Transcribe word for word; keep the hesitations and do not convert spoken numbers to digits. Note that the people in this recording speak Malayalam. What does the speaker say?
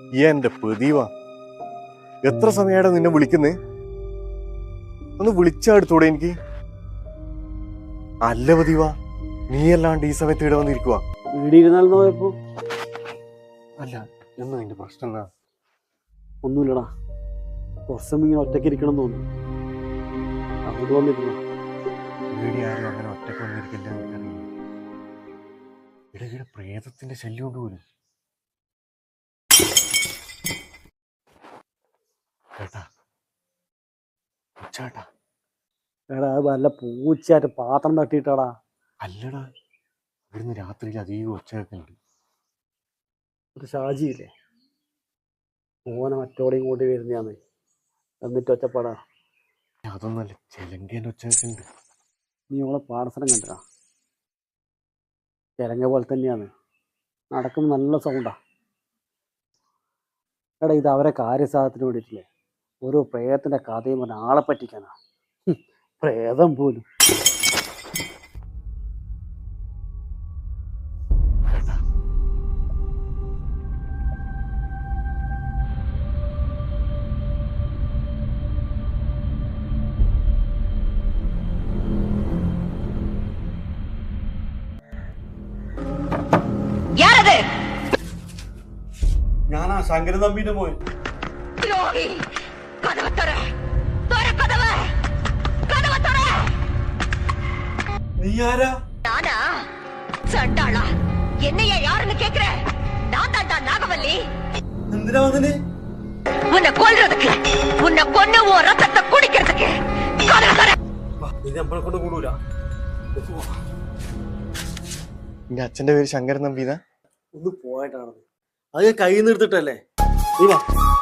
എന്റെ പതിവാ, എത്ര സമയമാണ് നിന്നെ വിളിക്കുന്നേ? ഒന്ന് വിളിച്ചെടുത്തൂടെ എനിക്ക്? അല്ല പതിവാ, നീ അല്ലാണ്ട് ഈ സമയത്ത് ഇവിടെ വന്നിരിക്കുവാ? വീടിരുന്നാലെന്ന് പോയപ്പോ അല്ല, എന്നാ നിന്റെ പ്രശ്നം എന്നാ? ഒന്നുമില്ലടാ, കുറച്ചും ഇങ്ങനെ ഒറ്റയ്ക്ക് ഇരിക്കണം തോന്നുന്നു, അങ്ങോട്ട് വന്നിരുന്നു. വീടി ആരും അങ്ങനെ ഒറ്റയ്ക്ക് വന്നിരിക്കില്ല എനിക്കറിയില്ല. ഇടയ്ക്കിടെ പ്രേതത്തിന്റെ ശല്യം കൊണ്ട് പോലും. ചേട്ടാ ചേട്ടാ എടാ അത് വല്ല പൂച്ചയായിട്ട് പാത്രം തട്ടിയിട്ടാടാ. അല്ലടാ, ഇവിടുന്ന് രാത്രിയിൽ അധികം ഒച്ചയൊക്കെയുണ്ട്. ഒരു ഷാജിയില്ലേ, ഓനെ മറ്റോടെയും കൂടി വരുന്നയാന്ന്, എന്നിട്ട് ഒച്ചപ്പാടാ. അതൊന്നല്ല, ചെലങ്കേന്റെ ഒച്ചയൊക്കെ ഉണ്ട്. നീ ഓളെ പാടസ്ഥലം കണ്ടടാ, ചിലങ്ക പോലെ തന്നെയാണ്, നടക്കുമ്പോൾ നല്ല സൗണ്ടാ. എടാ ഇത് അവരെ കാര്യസാധനത്തിന് വേണ്ടിയിട്ടില്ലേ, ഓരോ പ്രേതത്തിന്റെ കഥയും പറഞ്ഞ ആളെ പറ്റിക്കാനാ. പ്രേതം പോലും. ചേട്ടാ ഞാനാ ശങ്കരൻ തമ്പിന്റെ മോൻ. നീ ആരാ? நானா சண்டாளா? என்னையா யாருன்னு கேக்குற? நான் தான்டா நாகவல்லி. എന്തിനാ വന്നിന്? உன்னை கொல்றதுக்கு, உன்னை கொன்னு உன் ரத்தத்தை குடிக்கிறதுக்கு. கதவை தர. ഇത് നമ്മളെ കൊണ്ട് കൂടൂല. നിന്റെ അച്ഛന്റെ പേര് ശങ്കരൻ നമ്പീതാ? ഒന്ന് പോയിട്ടാണത്, അത് ഞാൻ കൈ നിർത്തിട്ടല്ലേ. നീ വാ.